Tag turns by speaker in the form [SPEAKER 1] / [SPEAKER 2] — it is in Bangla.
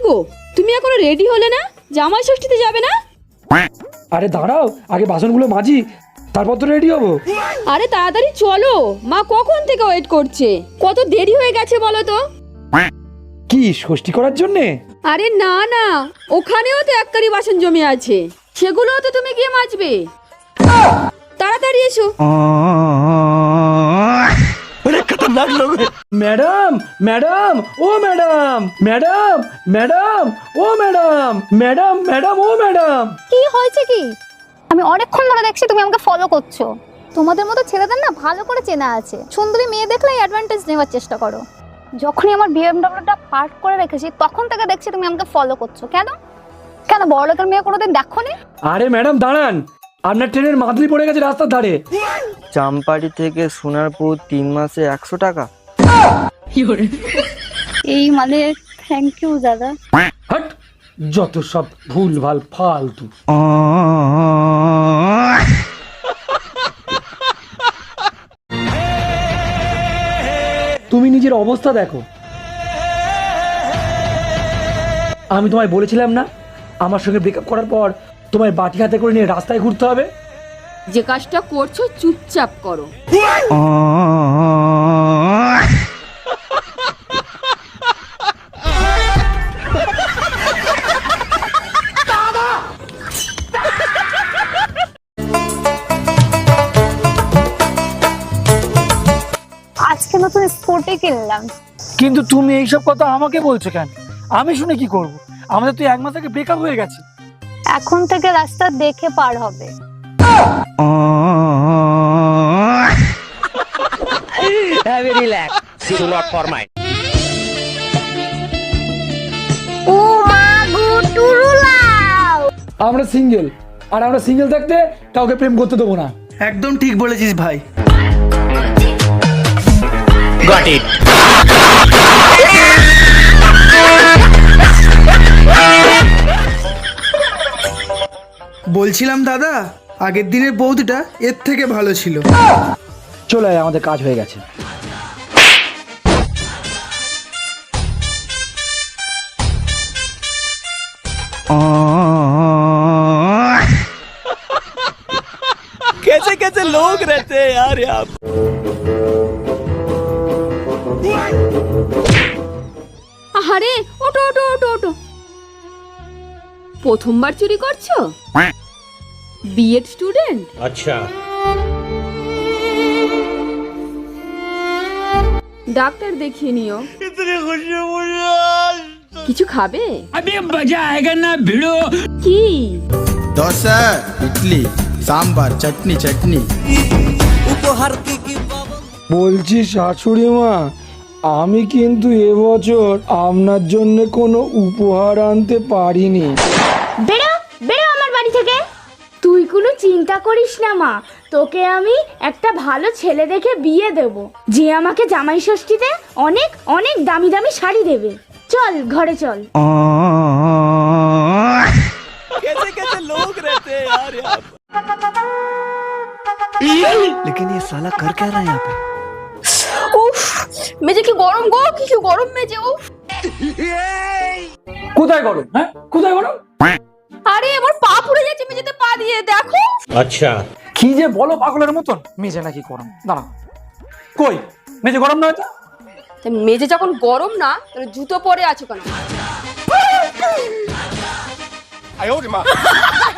[SPEAKER 1] গো, তুমি এখনো রেডি হলে না? জামাই ষষ্ঠীতে যাবে না?
[SPEAKER 2] আরে দাঁড়াও, আগে বাসনগুলো মাজি, তারপর তো রেডি হবো।
[SPEAKER 1] আরে তাড়াতাড়ি চলো, মা কখন থেকে ওয়েট করছে। কত দেরি হয়ে গেছে বলো তো।
[SPEAKER 2] কি ষষ্ঠী করার জন্যে?
[SPEAKER 1] আরে না না, ওখানেও তো এককারি বাসন জমে আছে, সেগুলোও তো তুমি গিয়ে মাজবে। তাড়াতাড়ি এসো।
[SPEAKER 2] ম্যাডাম ম্যাডাম ও ম্যাডাম ম্যাডাম ম্যাডাম ও ম্যাডাম ম্যাডাম ম্যাডাম ও ম্যাডাম।
[SPEAKER 3] কি হয়েছে কি? আমি অনেকক্ষণ ধরে দেখছি তুমি আমাকে ফলো করছো। তোমাদের মতো ছেলেদের না ভালো করে চেনা আছে, সুন্দরী মেয়ে দেখলেই অ্যাডভান্টেজ নেওয়ার চেষ্টা করো। যখনই আমার বিএমডব্লিউটা পার্ক করে রেখেছি তখন থেকে দেখছি তুমি আমাকে ফলো করছো। কেন কেন বড়লোকের মেয়ে কোনোদিন দেখোনি?
[SPEAKER 2] আরে ম্যাডাম দাঁড়ান, আপনার ট্রেনের মাদলি পড়ে গেছে রাস্তার ধারে।
[SPEAKER 4] চাম্পাটি থেকে সোনারপুর 3 মাসে 100 টাকা।
[SPEAKER 3] এই মানে থ্যাংক ইউ দাদা।
[SPEAKER 2] হট, যত সব ভুল ভাল ফালতু। তুমি নিজের অবস্থা দেখো। আমি তোমায় বলেছিলাম না আমার সঙ্গে ব্রেকআপ করার পর তোমায় বাটি হাতে করে নিয়ে রাস্তায় ঘুরতে হবে।
[SPEAKER 1] যে কাজটা করছো চুপচাপ করো।
[SPEAKER 3] আজকে নতুন স্কুটি কিনলাম।
[SPEAKER 2] কিন্তু তুমি এইসব কথা আমাকে বলছো কেন? আমি শুনে কি করব? আমাদের তো 1 মাস আগে ব্রেকআপ হয়ে গেছে।
[SPEAKER 3] এখন থেকে রাস্তা দেখে পার হবে। ও মা গো টুরুলাও।
[SPEAKER 2] আমরা সিঙ্গেল, আর আমরা সিঙ্গেল থাকতে কাউকে প্রেম করতে দেবো না।
[SPEAKER 5] একদম ঠিক বলেছিস ভাই। বলছিলাম দাদা, আগের দিনের বৌদিটা এর থেকে ভালো ছিল।
[SPEAKER 2] চলে আয়, আমাদের কাজ হয়ে গেছে।
[SPEAKER 6] कैसे कैसे लोग रहते हैं यार यहाँ।
[SPEAKER 1] আরে ওটো ওটো ওটো ওটো। প্রথমবার চুরি করছো? B Ed student?
[SPEAKER 6] अच्छा
[SPEAKER 1] ডাক্তার দেখিয়ে নিও।
[SPEAKER 6] इतनी खुशी मुझे
[SPEAKER 1] কিছু খাবে?
[SPEAKER 7] अभी मजा आएगा ना भिड़ो।
[SPEAKER 1] কি?
[SPEAKER 5] দোসা, ইডলি, সাম্বার, চাটনি চাটনি।
[SPEAKER 6] उपहार की
[SPEAKER 2] বলছি শাশুড়ি মা, আমি কিন্তু এবছর আপনার জন্য কোনো উপহার আনতে পারিনি।
[SPEAKER 3] বেরো বেরো আমার বাড়ি থেকে। তুই কোনো চিন্তা করিস না মা, তোকে আমি একটা ভালো ছেলে দেখে বিয়ে দেব, যে আমাকে জামাই ষষ্ঠীতে অনেক অনেক দামি দামি শাড়ি দেবে। চল ঘরে চল।
[SPEAKER 6] कैसे कैसे लोग रहते हैं यार यहाँ। लेकिन ये साला कर क्या रहा है यहाँ पे?
[SPEAKER 1] উফ, মেজে কি গরম গো, কি গরম মেজে। উফ,
[SPEAKER 2] কোথায় গরম? হ্যাঁ কোথায় গরম?
[SPEAKER 1] আরে আমার পা পুড়ে যাচ্ছে মেঝেতে পা দিয়ে, দেখো।
[SPEAKER 6] अच्छा
[SPEAKER 2] কি যে বলো পাগলের মতন, মেজে নাকি গরম? দাঁড়াও, কই মেজে গরম নয় তো?
[SPEAKER 1] মেজে যখন গরম না, তাহলে জুতো পরে আছো কেন?